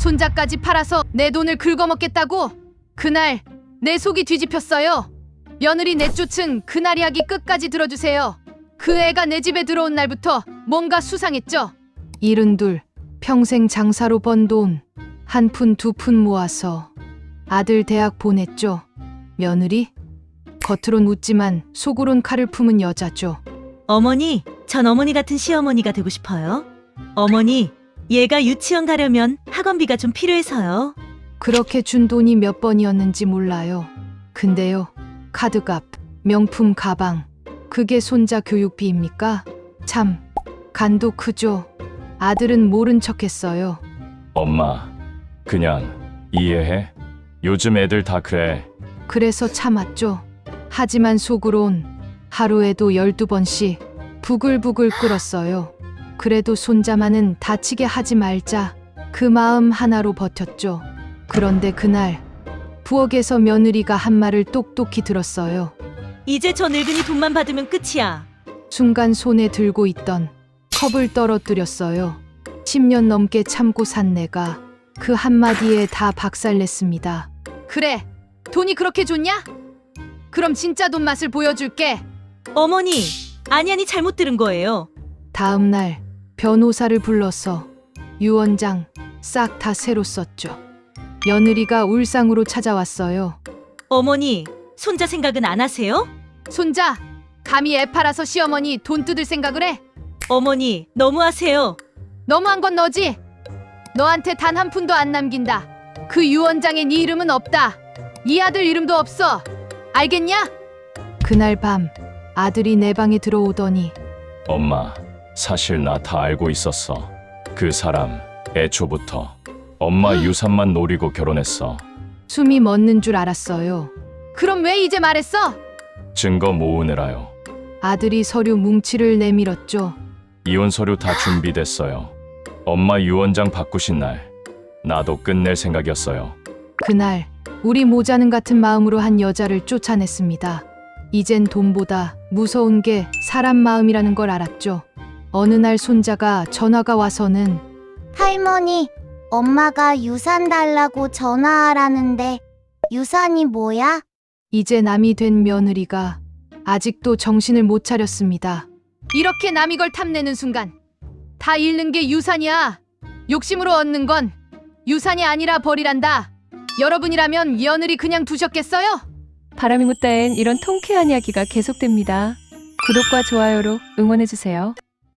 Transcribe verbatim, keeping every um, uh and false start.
손자까지 팔아서 내 돈을 긁어먹겠다고? 그날 내 속이 뒤집혔어요. 며느리 내쫓은 그날 이야기 끝까지 들어주세요. 그 애가 내 집에 들어온 날부터 뭔가 수상했죠. 일흔둘, 평생 장사로 번 돈 한 푼 두 푼 모아서 아들 대학 보냈죠. 며느리? 겉으론 웃지만 속으론 칼을 품은 여자죠. 어머니, 전 어머니 같은 시어머니가 되고 싶어요. 어머니, 얘가 유치원 가려면 학원비가 좀 필요해서요. 그렇게 준 돈이 몇 번이었는지 몰라요. 근데요, 카드값, 명품 가방, 그게 손자 교육비입니까? 참, 간도 크죠. 아들은 모른 척했어요. 엄마, 그냥 이해해. 요즘 애들 다 그래. 그래서 참았죠. 하지만 속으론 하루에도 열두 번씩 부글부글 끓었어요. 그래도 손자만은 다치게 하지 말자. 그 마음 하나로 버텼죠. 그런데 그날 부엌에서 며느리가 한 말을 똑똑히 들었어요. 이제 저 늙은이 돈만 받으면 끝이야. 순간 손에 들고 있던 컵을 떨어뜨렸어요. 십 년 넘게 참고 산 내가 그 한마디에 다 박살냈습니다. 그래, 돈이 그렇게 좋냐? 그럼 진짜 돈 맛을 보여줄게. 어머니, 아니 아니 잘못 들은 거예요. 다음 날 변호사를 불러서 유언장 싹 다 새로 썼죠. 며느리가 울상으로 찾아왔어요. 어머니, 손자 생각은 안 하세요? 손자, 감히 애 팔아서 시어머니 돈 뜯을 생각을 해? 어머니, 너무하세요. 너무한 건 너지? 너한테 단 한 푼도 안 남긴다. 그 유언장에 네 이름은 없다. 네 아들 이름도 없어. 알겠냐? 그날 밤 아들이 내 방에 들어오더니 엄마, 사실 나 다 알고 있었어. 그 사람 애초부터 엄마 유산만 노리고 결혼했어. 숨이 멎는 줄 알았어요. 그럼 왜 이제 말했어? 증거 모으느라요. 아들이 서류 뭉치를 내밀었죠. 이혼 서류 다 준비됐어요. 엄마 유언장 바꾸신 날 나도 끝낼 생각이었어요. 그날 우리 모자는 같은 마음으로 한 여자를 쫓아냈습니다. 이젠 돈보다 무서운 게 사람 마음이라는 걸 알았죠. 어느 날 손자가 전화가 와서는 할머니, 엄마가 유산 달라고 전화하라는데 유산이 뭐야? 이제 남이 된 며느리가 아직도 정신을 못 차렸습니다. 이렇게 남이 걸 탐내는 순간 다 잃는 게 유산이야. 욕심으로 얻는 건 유산이 아니라 벌이란다. 여러분이라면 며느리 그냥 두셨겠어요? 바람이 묻다엔 이런 통쾌한 이야기가 계속됩니다. 구독과 좋아요로 응원해주세요.